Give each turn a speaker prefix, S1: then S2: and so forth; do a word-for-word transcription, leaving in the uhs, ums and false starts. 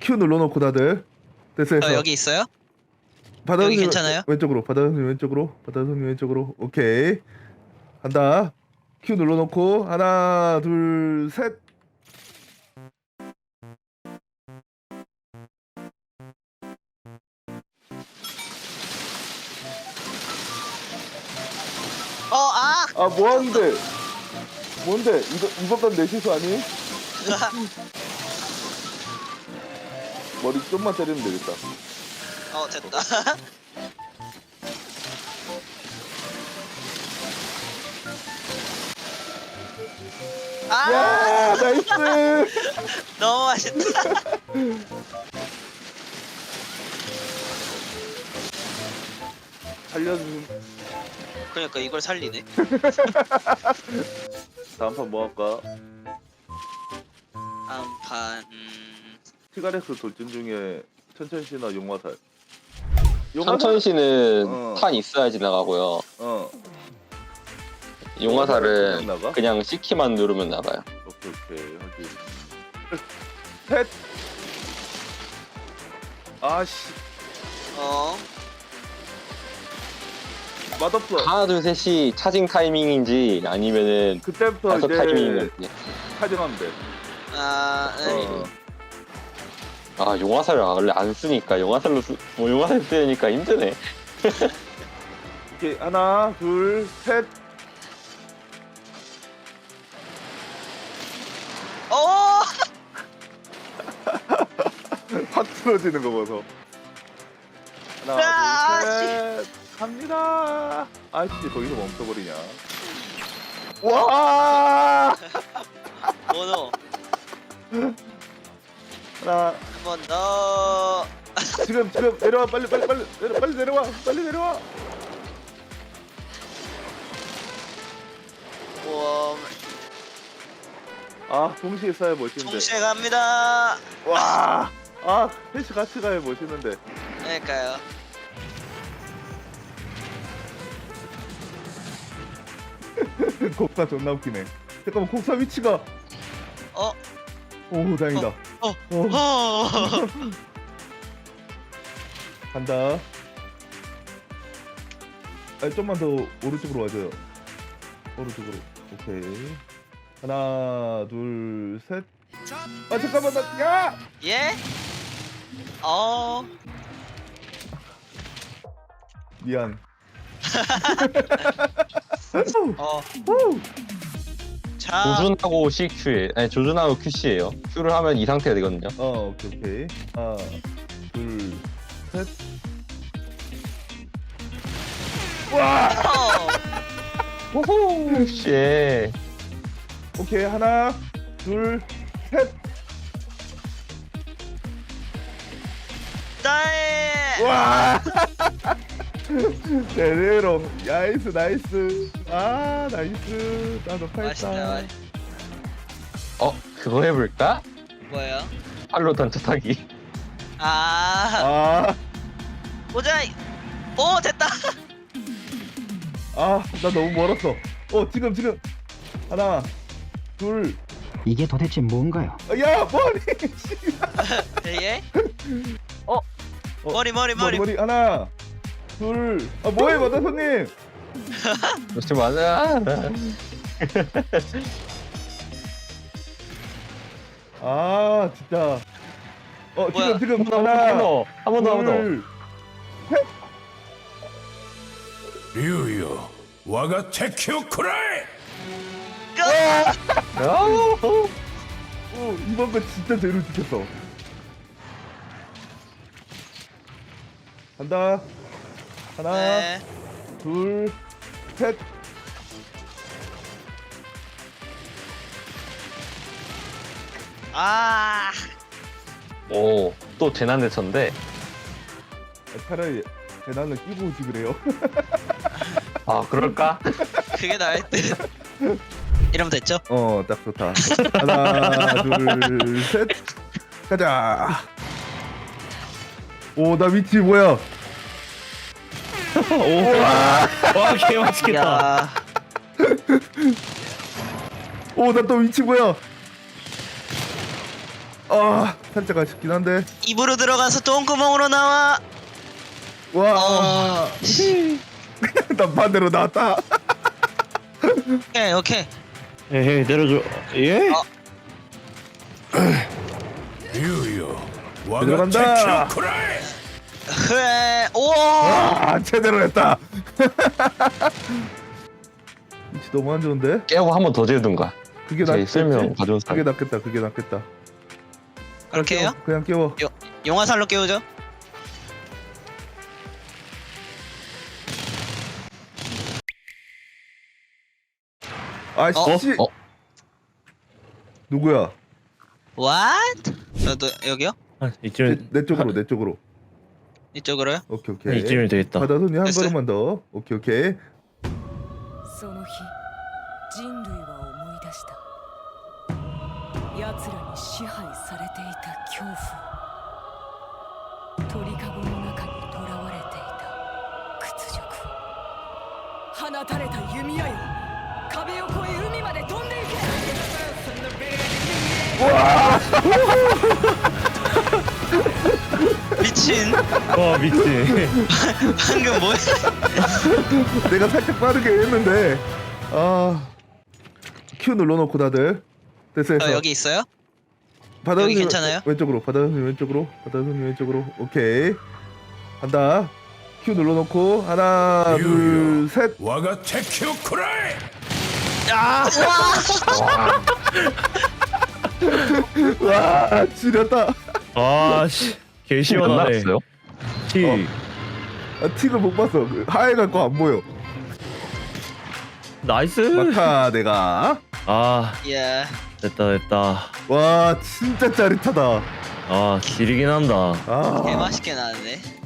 S1: Q 눌러놓고 다들 됐어 됐어.
S2: 어, 여기 있어요?
S1: 바다
S2: 여기
S1: 선생님
S2: 괜찮아요?
S1: 왼쪽으로, 바다 선생님 왼쪽으로, 바다 선생님 왼쪽으로. 오케이 간다. Q 눌러놓고 하나 둘 셋.
S2: 어, 아!
S1: 아 뭐하는데? 뭔데? 이거 이것도 내 실수 아니? 머리 좀만 때리면 되겠다.
S2: 어, 됐다. 아!
S1: 야 나이스.
S2: 너무 맛있다.
S1: 살려준.
S2: 그러니까 이걸 살리네.
S1: 다음 판 뭐 할까?
S2: 다음 판, 음,
S1: 티가렉스 돌진 중에 천천시나 용화살.
S3: 천천시는
S1: 어.
S3: 탄 있어야지 나가고요.
S1: 어.
S3: 용화살은
S1: 그냥 나가?
S3: 그냥 C키만 누르면 나가요.
S1: 오케이 오케이 확인. 셋. 아씨
S2: 어,
S1: 맛없어.
S3: 하나 둘 셋이 차징 타이밍인지 아니면은
S1: 그때부터
S3: 다섯
S1: 이제
S3: 타이밍인지.
S1: 차징하면 돼.
S2: 아, 네.
S1: 어.
S3: 아 용화살을 원래 안 쓰니까 용화살로 쓰, 뭐 용화살 쓰니까 힘드네.
S1: 오케이 하나 둘 셋.
S2: 어!
S1: 확 틀어지는 거 보소.
S2: 아,
S1: 하나 둘 셋. 갑니다. 아씨 거기서 멈춰버리냐. 와.
S2: 모노,
S1: 하나.
S2: 한 번 더.
S1: 지금 지금 내려와 빨리 빨리 빨리 내려 빨리 내려와 빨리 내려와.
S2: 우와,
S1: 아 동시에 쏴야 멋있는데.
S2: 동시에 갑니다.
S1: 와. 아 셋이 같이 가야 멋있는데.
S2: 그러니까요.
S1: 곡사 존나 웃기네. 잠깐만 곡사 위치가.
S2: 어,
S1: 오 다행이다.
S2: 어,
S1: 어.
S2: 어.
S1: 간다. 아 좀만 더 오른쪽으로 와줘요. 오른쪽으로. 오케이. 하나 둘 셋. 아 잠깐만 나 야.
S2: 예? 어,
S1: 미안.
S2: 어.
S1: 후.
S2: 자,
S3: 조준하고 C Q에 아니 조준하고 Q C예요. Q를 하면 이 상태가 되거든요.
S1: 어 오케이 오케이. 하나 둘 셋. 와.
S2: 어.
S3: 호호 씨.
S1: 오케이 하나 둘 셋.
S2: 나의
S1: 와. 제대로. 나이스 나이스. 아 나이스. 나도
S2: 맛있다.
S1: 팔다.
S2: 맛있-
S3: 어 그거 해볼까?
S2: 뭐예요?
S3: 팔로 던져 타기.
S2: 아,
S1: 아.
S2: 보자. 오, 됐다.
S1: 아, 나 너무 멀었어. 어, 지금 지금 하나, 둘,
S4: 이게 도대체 뭔가요?
S1: 아, 야 머리.
S2: 예? 어,
S1: 어,
S2: 머리 머리
S1: 머리
S2: 머리.
S1: 머리 하나, 둘. 아 뭐해 마다 손님.
S3: 그렇지 맞아.
S1: 아 진짜. 어
S2: 뭐야?
S1: 지금 지금
S3: 한 번
S1: 하나,
S3: 더, 한 번 더, 한 번 더.
S1: 둘.
S5: 竜よ我が敵を食らえ
S3: 아우.
S1: 어, 이번 거 진짜 제대로 지켰어. 간다. 하나,
S2: 네.
S1: 둘, 셋.
S2: 아,
S3: 오, 또 재난 대처인데.
S1: 아, 차라리 대난을 끼고 오지 그래요.
S3: 아, 그럴까?
S2: 그게 나을 듯. 이러면 됐죠?
S1: 어, 딱 좋다. 하나, 둘, 셋. 가자. 오, 나 위치 뭐야?
S3: 오, 와, 개 맛있겠다.
S2: 야,
S1: 오, 나 또 위치 뭐야? 아 살짝 아쉽긴 한데.
S2: 입으로 들어가서 똥구멍으로 나와.
S1: 와.
S2: 어. 씨.
S1: 난 반대로 나왔다.
S2: 오케이 오케이.
S6: 에헤이 내려줘. 예?
S2: 어.
S5: 류요 와가
S1: 들어간다.
S5: 테키오쿠라이
S2: 흐에 오.
S1: 아 제대로 했다. 위치 너무 안 좋은데?
S3: 깨고 한 번 더 재든가.
S1: 그게
S3: 제
S1: 낫겠지?
S3: 설명 가져온
S1: 그게
S3: 사람.
S1: 낫겠다. 그게 낫겠다.
S2: 그렇게 해요?
S1: 그냥 깨워.
S2: 용화살로 깨우죠.
S1: 아씨.
S3: 어?
S1: 누구야?
S2: What? 저도 여기요?
S6: 아,
S1: 내,
S6: 이쯤
S1: 내 쪽으로 내 쪽으로.
S2: 이쪽으로요?
S1: 오케이
S6: 한
S1: 오케이.
S6: 이쯤이면 되겠다.
S1: 바다 손이 한
S2: 됐어요?
S1: 걸음만 더. 오케이 오케이.
S7: その日人類は思い出した奴らに支配されていた恐怖鳥かごの中に囚われていた屈辱放たれた弓矢よ壁を越え海まで飛んでいけ
S2: 미친.
S6: 와 미치.
S2: 방금 뭐야?
S1: 내가 살짝 빠르게 했는데 아 Q 눌러놓고 다들 됐어 됐어.
S2: 어, 여기 있어요?
S1: 바다
S2: 여기
S1: 손님
S2: 괜찮아요?
S1: 왼쪽으로 바다 손님 왼쪽으로 바다 손님 왼쪽으로 오케이 간다. Q 눌러놓고 하나
S5: 유유.
S1: 둘셋
S5: 와가 테키오쿠라이
S1: 와 지렸다.
S6: 아씨 개 시원하네.
S3: 끝났어요?
S6: 티.
S1: 어. 아, 틱을 못 봤어. 그 하얘갈 거 안 보여.
S6: 나이스.
S1: 막타 내가.
S6: 아
S2: 예.
S6: 됐다 됐다.
S1: 와 진짜 짜릿하다.
S6: 아 길이긴 한다.
S1: 아
S2: 개 맛있게 나왔네.